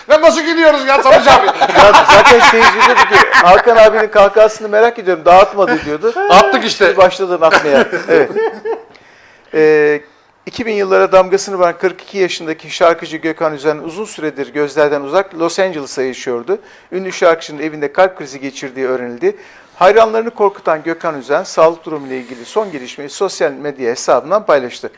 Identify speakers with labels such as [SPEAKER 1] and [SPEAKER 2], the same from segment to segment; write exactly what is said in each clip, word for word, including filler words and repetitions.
[SPEAKER 1] Ya nasıl gidiyoruz ya Samış abi?
[SPEAKER 2] Ya zaten seyirci diyordu ki Hakan abinin kahkahasını merak ediyorum dağıtmadı diyordu.
[SPEAKER 1] Attık işte.
[SPEAKER 2] Siz başladın atmaya. Evet. Ee, iki bin yıllara damgasını vuran kırk iki yaşındaki şarkıcı Gökhan Üzen uzun süredir gözlerden uzak Los Angeles'a yaşıyordu. Ünlü şarkıcının evinde kalp krizi geçirdiği öğrenildi. Hayranlarını korkutan Gökhan Üzen sağlık durumuyla ilgili son gelişmeyi sosyal medya hesabından paylaştı.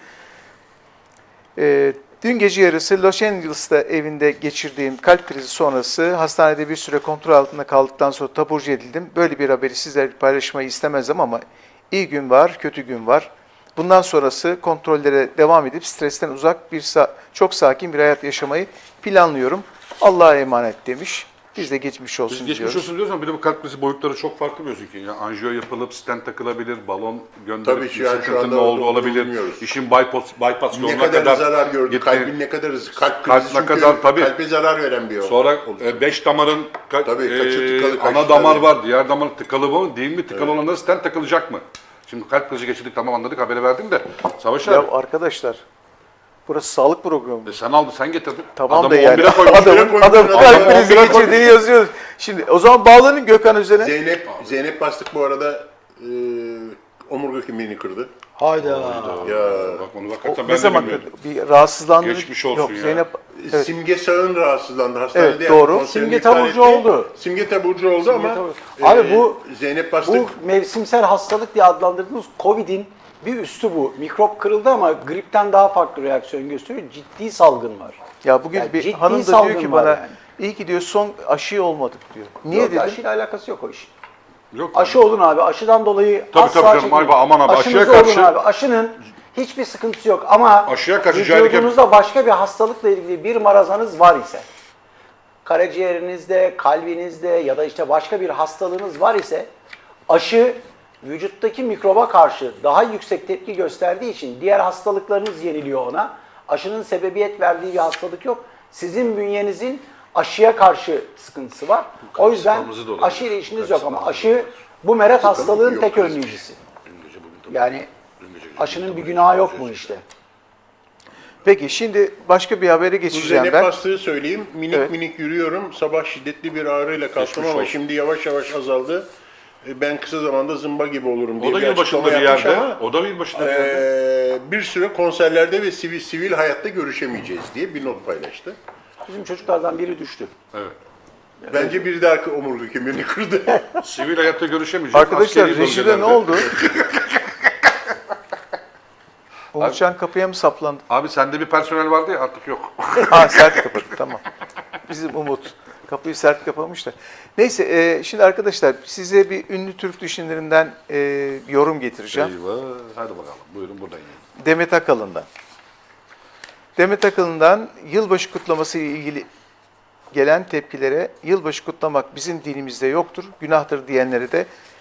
[SPEAKER 2] Ee, dün gece yarısı Los Angeles'ta evinde geçirdiğim kalp krizi sonrası hastanede bir süre kontrol altında kaldıktan sonra taburcu edildim. Böyle bir haberi sizlerle paylaşmayı istemezdim ama iyi gün var, kötü gün var. Bundan sonrası kontrollere devam edip stresten uzak bir sa- çok sakin bir hayat yaşamayı planlıyorum. Allah'a emanet demiş. Biz de geçmiş olsun
[SPEAKER 1] Biz geçmiş
[SPEAKER 2] diyoruz.
[SPEAKER 1] olsun diyoruz ama bir de bu kalp krizi boyutları çok farklı gözüküyor. ki. Yani anjiyo yapılıp stent takılabilir, balon
[SPEAKER 3] Tabii
[SPEAKER 1] gönderip
[SPEAKER 3] ki
[SPEAKER 1] bir
[SPEAKER 3] yani şu
[SPEAKER 1] sıkıntının
[SPEAKER 3] anda
[SPEAKER 1] olduğu
[SPEAKER 3] olduğunu
[SPEAKER 1] olabilir.
[SPEAKER 3] bilmiyoruz.
[SPEAKER 1] İşin bypass, bypass
[SPEAKER 3] Ne
[SPEAKER 1] yoluna
[SPEAKER 3] kadar,
[SPEAKER 1] kadar
[SPEAKER 3] zarar gördü,
[SPEAKER 1] gitti.
[SPEAKER 3] kalbin ne kadar hızlı, kalp
[SPEAKER 1] Kalp
[SPEAKER 3] krizi
[SPEAKER 1] ne
[SPEAKER 3] çünkü
[SPEAKER 1] kadar, tabii.
[SPEAKER 3] kalbe zarar veren bir yol.
[SPEAKER 1] Sonra e, beş damarın ka-
[SPEAKER 3] Tabii, kaçı
[SPEAKER 1] e,
[SPEAKER 3] tıkalı, kaçı
[SPEAKER 1] ana damar
[SPEAKER 3] tıkalı.
[SPEAKER 1] var, diğer damar tıkalı mı değil mi? Tıkalı olanlara stent takılacak mı? Şimdi kalp krizi geçirdik, tamam anladık, haberi verdim de. Savaş abi,
[SPEAKER 2] Ya arkadaşlar, burası sağlık programı.
[SPEAKER 1] e, sen aldın, sen getirdin.
[SPEAKER 2] Tamam
[SPEAKER 1] Adamı
[SPEAKER 2] da yani
[SPEAKER 1] on bire koymuş.
[SPEAKER 2] adamın,
[SPEAKER 3] koymuş,
[SPEAKER 2] adamın
[SPEAKER 3] adamı
[SPEAKER 2] kalp
[SPEAKER 1] on
[SPEAKER 2] krizi
[SPEAKER 1] bire
[SPEAKER 2] geçirdiğini yazıyoruz. Şimdi o zaman bağlanın Gökhan Özen'e.
[SPEAKER 3] Zeynep, Zeynep Bastık bu arada e, omurga kemiğini kırdı.
[SPEAKER 4] Hayda.
[SPEAKER 3] Ya
[SPEAKER 1] Bak onu hakikaten
[SPEAKER 2] O,
[SPEAKER 1] ben
[SPEAKER 2] ne
[SPEAKER 1] de
[SPEAKER 2] zaman
[SPEAKER 1] bilmiyordum.
[SPEAKER 2] bir rahatsızlandınız?
[SPEAKER 1] Geçmiş olsun
[SPEAKER 2] Yok,
[SPEAKER 1] ya.
[SPEAKER 2] Zeynep, evet.
[SPEAKER 3] Simge Sağ'ın rahatsızlandı. Hastanede
[SPEAKER 2] Evet,
[SPEAKER 3] yaptı,
[SPEAKER 2] doğru.
[SPEAKER 3] konserini
[SPEAKER 4] Simge
[SPEAKER 3] iptal
[SPEAKER 4] taburcu
[SPEAKER 3] etti.
[SPEAKER 4] oldu.
[SPEAKER 3] Simge taburcu oldu ama
[SPEAKER 4] taburcu.
[SPEAKER 3] e,
[SPEAKER 4] Abi bu-
[SPEAKER 3] Zeynep
[SPEAKER 4] Bu
[SPEAKER 3] Bastık
[SPEAKER 4] mevsimsel hastalık diye adlandırdığımız Covid'in bir üstü bu. Mikrop kırıldı ama gripten daha farklı reaksiyon gösteriyor. Ciddi salgın var.
[SPEAKER 2] Ya bugün
[SPEAKER 4] Yani
[SPEAKER 2] bir
[SPEAKER 4] ciddi
[SPEAKER 2] hanım da diyor
[SPEAKER 4] salgın
[SPEAKER 2] ki
[SPEAKER 4] var
[SPEAKER 2] bana,
[SPEAKER 4] yani.
[SPEAKER 2] iyi ki diyor son aşıyı olmadık diyor. Niye
[SPEAKER 4] Yok,
[SPEAKER 2] dedim?
[SPEAKER 4] aşıyla alakası yok o işin.
[SPEAKER 1] Yok.
[SPEAKER 4] Aşı olun abi. Aşıdan dolayı
[SPEAKER 1] Tabii,
[SPEAKER 4] asla
[SPEAKER 1] tabii canım.
[SPEAKER 4] çekinmeyin.
[SPEAKER 1] Ay, aman abi, aşıya
[SPEAKER 4] Aşınızı olun
[SPEAKER 1] karşı-
[SPEAKER 4] abi. Aşının hiçbir sıkıntısı yok ama
[SPEAKER 1] Aşıya karşı cahillik yap-
[SPEAKER 4] vücudunuzda başka bir hastalıkla ilgili bir marazanız var ise, karaciğerinizde, kalbinizde ya da işte başka bir hastalığınız var ise aşı vücuttaki mikroba karşı daha yüksek tepki gösterdiği için diğer hastalıklarınız yeniliyor ona. Aşının sebebiyet verdiği bir hastalık yok. Sizin bünyenizin aşıya karşı sıkıntısı var. O yüzden
[SPEAKER 1] Karışmamızı da olabilir.
[SPEAKER 4] aşı ile işiniz yok ama aşı bu meret hastalığın
[SPEAKER 3] yok,
[SPEAKER 4] tek
[SPEAKER 3] karışmış.
[SPEAKER 4] önleyicisi. Yani aşının bir günahı yok bu işte.
[SPEAKER 2] Peki şimdi başka bir habere
[SPEAKER 3] Bu
[SPEAKER 2] geçeceğim
[SPEAKER 3] Zeynep
[SPEAKER 2] ben.
[SPEAKER 3] Bastık'ı söyleyeyim. Minik
[SPEAKER 2] Evet.
[SPEAKER 3] minik yürüyorum. Sabah şiddetli bir ağrıyla kalktım
[SPEAKER 1] Geçmiş
[SPEAKER 3] ama
[SPEAKER 1] olsun.
[SPEAKER 3] şimdi yavaş yavaş azaldı. E, Ben kısa zamanda zımba gibi olurum diye
[SPEAKER 1] O da
[SPEAKER 3] bir
[SPEAKER 1] yılbaşında
[SPEAKER 3] açıklama
[SPEAKER 1] bir
[SPEAKER 3] yapmış
[SPEAKER 1] yerde.
[SPEAKER 3] ama
[SPEAKER 1] O da yılbaşında bir yerde.
[SPEAKER 3] e, bir süre konserlerde ve sivil, sivil hayatta görüşemeyeceğiz diye bir not paylaştı.
[SPEAKER 4] Bizim çocuklardan biri düştü.
[SPEAKER 1] Evet.
[SPEAKER 3] Bence bir daha omurga kemiğini kırdı.
[SPEAKER 1] Sivil hayatta görüşemeyeceğiz.
[SPEAKER 2] Arkadaşlar
[SPEAKER 1] Askeri
[SPEAKER 2] rejide ne
[SPEAKER 1] bölgelerde-
[SPEAKER 2] oldu? Umutcan kapıya mı saplandı?
[SPEAKER 1] Abi sende bir personel vardı ya, artık yok.
[SPEAKER 2] Ha sert kapadı, tamam. Bizim Umut kapıyı sert kapamış da. Neyse e, şimdi arkadaşlar size bir ünlü Türk düşünürlerinden e, yorum getireceğim.
[SPEAKER 1] Eyvah. Hadi bakalım. Buyurun buradan yiyin.
[SPEAKER 2] Demet Akalın'dan. Demet Akalın'dan yılbaşı kutlaması ile ilgili gelen tepkilere yılbaşı kutlamak bizim dinimizde yoktur, günahtır diyenlere de